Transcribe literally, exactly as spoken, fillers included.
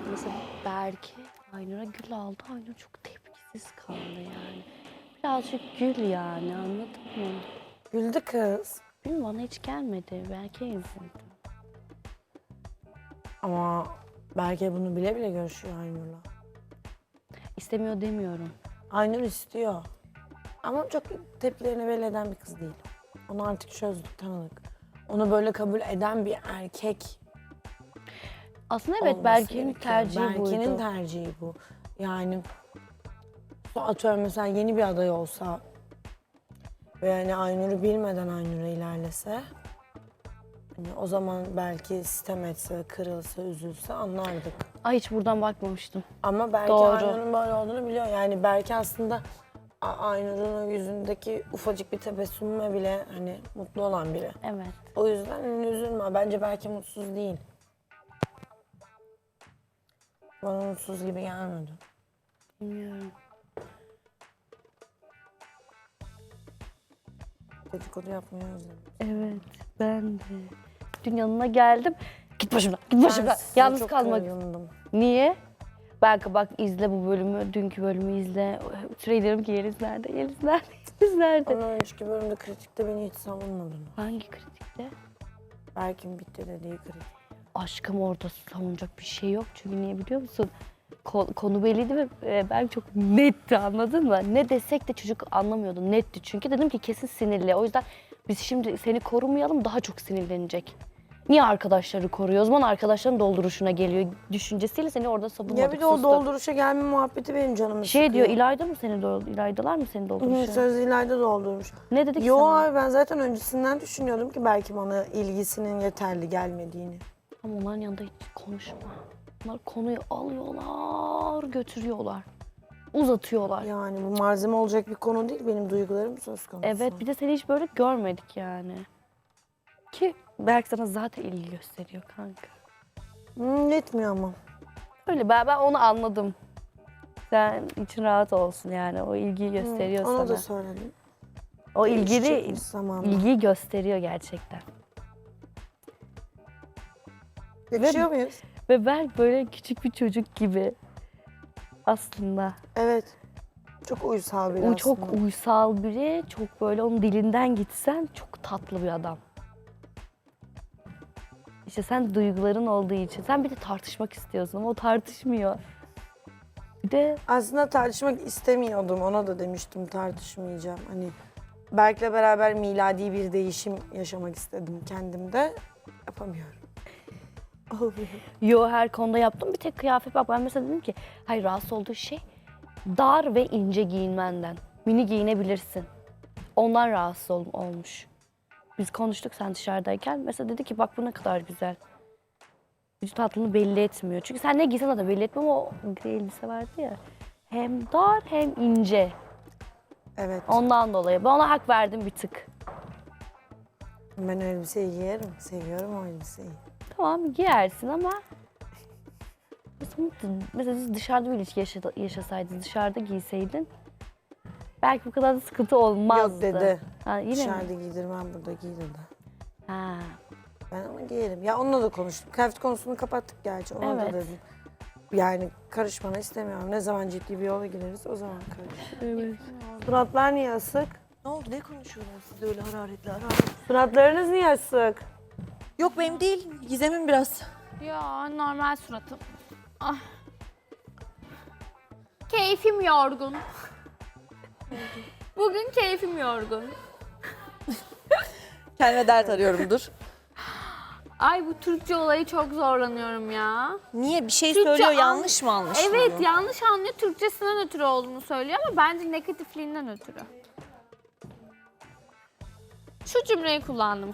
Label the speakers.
Speaker 1: mesela Berke Aynur'a gül aldı. Aynur çok tepkisiz kaldı yani. Birazcık gül yani, anladın mı?
Speaker 2: Güldü kız.
Speaker 1: Bilmiyorum, bana hiç gelmedi. Berke'ye üzüldüm.
Speaker 2: Ama belki bunu bile bile görüşüyor Aynur'la.
Speaker 1: İstemiyor demiyorum.
Speaker 2: Aynur istiyor. Ama çok tepkilerini belli eden bir kız değil. Onu artık çözdük, tanıdık. Onu böyle kabul eden bir erkek
Speaker 1: Aslında evet,
Speaker 2: olması
Speaker 1: Berke'nin
Speaker 2: gerekiyor.
Speaker 1: tercihi buydu.
Speaker 2: Berke'nin tercihi bu. Yani atıyorum mesela yeni bir aday olsa ve yani Aynur'u bilmeden Aynur'a ilerlese, hani o zaman belki sitem etse, kırılsa, üzülse anlardık.
Speaker 1: Ay, hiç buradan bakmamıştım.
Speaker 2: Ama belki
Speaker 1: Doğru.
Speaker 2: Aynur'un böyle olduğunu biliyor. Yani belki aslında A- Aynur'un o yüzündeki ufacık bir tebessümüme bile hani mutlu olan biri.
Speaker 1: Evet.
Speaker 2: O yüzden hani üzülme. Bence belki mutsuz değil. Bana mutsuz gibi gelmedi.
Speaker 1: Bilmiyorum.
Speaker 2: Dedikodu yapmayı özledim.
Speaker 1: Evet, ben de. Dün yanına geldim. Git başımdan, git başımdan.
Speaker 2: size
Speaker 1: Yalnız
Speaker 2: çok
Speaker 1: kalmak.
Speaker 2: kırgındım.
Speaker 1: Niye? Belki bak, izle bu bölümü, dünkü bölümü izle. Sürekli diyorum ki Yeliz nerede, Yeliz nerede, Yeliz nerede?
Speaker 2: Ondan önceki bölümde kritikte beni hiç savunmadın.
Speaker 1: Hangi kritikte?
Speaker 2: Berk'in bitti dediği kritik.
Speaker 1: Aşkım, orada savunacak bir şey yok. Çünkü niye biliyor musun? Ko- konu belliydi ve e, ben çok netti, anladın mı? Ne desek de çocuk anlamıyordu, netti. Çünkü dedim ki kesin sinirli. O yüzden biz şimdi seni korumayalım, daha çok sinirlenecek. Niye arkadaşları koruyor? O zaman arkadaşların dolduruşuna geliyor düşüncesiyle seni orada savunmadık.
Speaker 2: Ya bir de o
Speaker 1: sustuk.
Speaker 2: dolduruşa gelme muhabbeti benim canımı
Speaker 1: Şey
Speaker 2: sıkıyor.
Speaker 1: diyor, İlayda mı seni doldurmuş? İlaydalar mı seni
Speaker 2: Hı,
Speaker 1: doldurmuş?
Speaker 2: söz ileride doldurmuş.
Speaker 1: Ne dedik
Speaker 2: Yo
Speaker 1: sana?
Speaker 2: abi, ben zaten öncesinden düşünüyordum ki belki bana ilgisinin yeterli gelmediğini.
Speaker 1: Ama onların yanında hiç konuşma. Onlar konuyu alıyorlar, götürüyorlar. Uzatıyorlar.
Speaker 2: Yani bu malzeme olacak bir konu değil, benim duygularım söz konusu.
Speaker 1: Evet, bir de seni hiç böyle görmedik yani. Ki Berk sana zaten ilgi gösteriyor kanka.
Speaker 2: Hmm, yetmiyor ama.
Speaker 1: Öyle, ben, ben onu anladım. Sen için rahat olsun yani, o ilgiyi gösteriyor
Speaker 2: Ona
Speaker 1: sana.
Speaker 2: da söyledim.
Speaker 1: O ilgili,
Speaker 2: Değişecekmiş zamanla.
Speaker 1: ilgiyi gösteriyor gerçekten.
Speaker 2: Yakışıyor muyuz?
Speaker 1: Ve Berk böyle küçük bir çocuk gibi aslında.
Speaker 2: Evet. Çok uysal biri
Speaker 1: O çok
Speaker 2: aslında.
Speaker 1: uysal biri, çok böyle onun dilinden gitsen çok tatlı bir adam. İşte sen duyguların olduğu için, sen bir de tartışmak istiyorsun ama o tartışmıyor. Bir de
Speaker 2: Aslında tartışmak istemiyordum. Ona da demiştim tartışmayacağım. Hani Berk'le beraber miladi bir değişim yaşamak istedim kendimde. Yapamıyorum. Olmuyor.
Speaker 1: yo, her konuda yaptım, bir tek kıyafet. Bak ben mesela dedim ki, hayır, rahatsız olduğu şey dar ve ince giyinmenden. Mini giyinebilirsin. Ondan rahatsız ol- olmuş. Biz konuştuk sen dışarıdayken. Mesela dedi ki bak bu ne kadar güzel. Vücut hattını belli etmiyor. Çünkü sen ne giysen de belli etmiyor ama o gri elbise vardı ya. Hem dar hem ince.
Speaker 2: Evet.
Speaker 1: Ondan dolayı. Ben ona hak verdim bir tık.
Speaker 2: Ben elbiseyi giyerim. Seviyorum o elbiseyi.
Speaker 1: Tamam, giyersin ama mesela, mesela siz dışarıda bir ilişki yaşa- yaşasaydınız, dışarıda giyseydin belki bu kadar da sıkıntı olmazdı.
Speaker 2: Yok dedi.
Speaker 1: Ha, yine
Speaker 2: Dışarıda
Speaker 1: mi?
Speaker 2: giydirmem, burada giy dedi.
Speaker 1: Ha.
Speaker 2: Ben ama giyerim. Ya onunla da konuştum. Kıyafet konusunu kapattık gerçi. Ona da
Speaker 1: Evet.
Speaker 2: dedim. Yani karışmanı istemiyorum. Ne zaman ciddi bir yola gireriz o zaman karış.
Speaker 1: Evet.
Speaker 2: Suratlar niye asık?
Speaker 3: Ne oldu? Ne konuşuyorsunuz siz öyle hararetli hararetli?
Speaker 2: Suratlarınız niye asık?
Speaker 3: Yok benim değil. Gizem'in biraz.
Speaker 4: Ya normal suratım. Ah. Keyfim yorgun. Bugün keyfim yorgun.
Speaker 3: Kendime dert arıyorum dur.
Speaker 4: Ay, bu Türkçe olayı çok zorlanıyorum ya.
Speaker 3: Niye? Bir şey
Speaker 4: Türkçe
Speaker 3: söylüyor
Speaker 4: an-
Speaker 3: yanlış mı anlaşılıyor?
Speaker 4: Evet, yanlış anlıyor. Türkçesinden ötürü olduğunu söylüyor ama bence negatifliğinden ötürü. Şu cümleyi kullandım